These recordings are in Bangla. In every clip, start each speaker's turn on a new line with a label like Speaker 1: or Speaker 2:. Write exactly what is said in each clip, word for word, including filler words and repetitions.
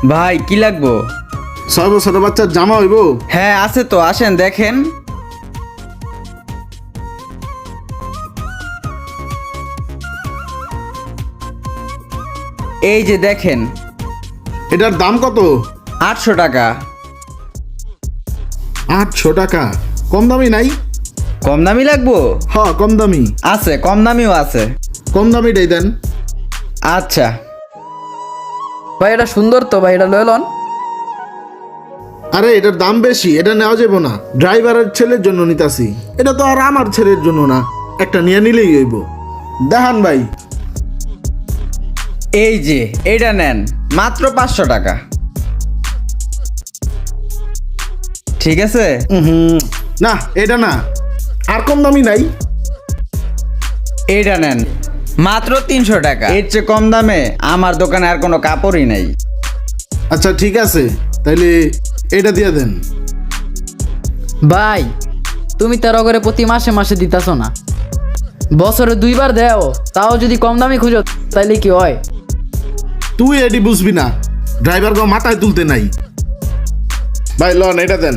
Speaker 1: ভাই কি লাগবো?
Speaker 2: ছয় বছরের বাচ্চার জামা হইব?
Speaker 1: হ্যাঁ আছে তো, আসেন দেখেন। এই যে দেখেন,
Speaker 2: এটার দাম কত?
Speaker 1: আটশো টাকা।
Speaker 2: আটশো টাকা? কম দামি নাই?
Speaker 1: কম দামি লাগবো?
Speaker 2: হ, কম দামি।
Speaker 1: আছে, কম দামিও আছে।
Speaker 2: কম দামিটাই দেন।
Speaker 1: আচ্ছা।
Speaker 3: ভাই এটা সুন্দর তো ভাই, এটা লয়ে লন।
Speaker 2: আরে এটার দাম বেশি, এটা নেওয়া যাবো না। ড্রাইভারের ছেলের জন্য নিতাছি, এটা তো আর আমার ছেলের জন্য না। একটা নিয়ে নিলেই হইব। দেখান ভাই।
Speaker 1: এই যে এটা নেন, মাত্র পাঁচশো টাকা। ঠিক আছে।
Speaker 2: হুম, না এটা না। আর কম দামি নাই?
Speaker 1: এইটা নেন, মাত্র তিনশো টাকা। এর চেয়ে কম দামে আমার দোকানে আর কোনো কাপড়ই নাই।
Speaker 2: আচ্ছা ঠিক আছে, তাইলে এটা দিয়ে দেন।
Speaker 3: ভাই তুমি তেরো করে প্রতি মাসে মাসে দিতাছ না, বছরে দুইবার দেও, তাও যদি কম দামি খুঁজো তাইলে কি হয়?
Speaker 2: তুই এটি বুঝবি না, ড্রাইভার গো মাথায় তুলতে নাই। ভাই লন, এটা দেন।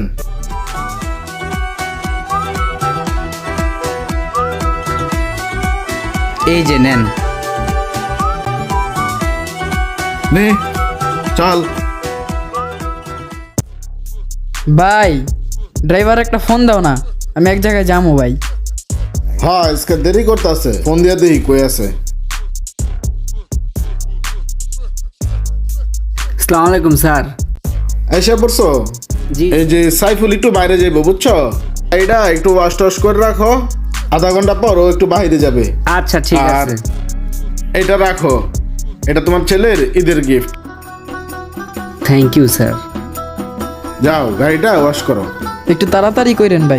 Speaker 1: এই যে নেন।
Speaker 2: নে চল।
Speaker 3: ভাই ড্রাইভার একটা ফোন দাও না, আমি এক জায়গায় যাবো ভাই।
Speaker 2: হ্যাঁ আজকে দেরি করতে আছে, ফোন দিয়ে দেখি কই আছে।
Speaker 4: আসসালামু আলাইকুম স্যার।
Speaker 2: এসে পড়ছো?
Speaker 4: জি।
Speaker 2: এই যে সাইফুল একটু বাইরে যাইবো, বুঝছো? এইটা একটু ওয়াশ টশ করে রাখো, আধা ঘন্টা পর ও একটু বাইরে যাবে।
Speaker 4: আচ্ছা ঠিক
Speaker 2: আর
Speaker 4: আছে।
Speaker 2: এটা রাখো, এটা তোমার ছেলের ঈদের গিফট।
Speaker 4: Thank you sir.
Speaker 2: যাও গাড়িটা ওয়াশ করো।
Speaker 3: একটু তাড়াতাড়ি করেন ভাই।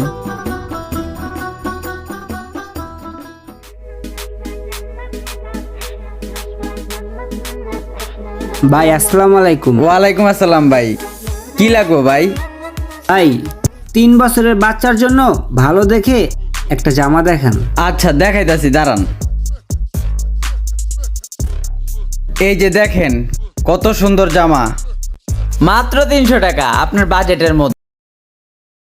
Speaker 4: ভাই আসসালামু আলাইকুম।
Speaker 1: ওয়ালাইকুম আসসালাম ভাই, কি লাগবো ভাই?
Speaker 4: ভাই তিন বছরের বাচ্চার জন্য ভালো দেখে একটা জামা দেখান।
Speaker 1: আচ্ছা দেখাইতাছি, দাঁড়ান। এই যে দেখেন, কত সুন্দর জামা, মাত্র তিনশো টাকা, আপনার বাজেটের মধ্যে।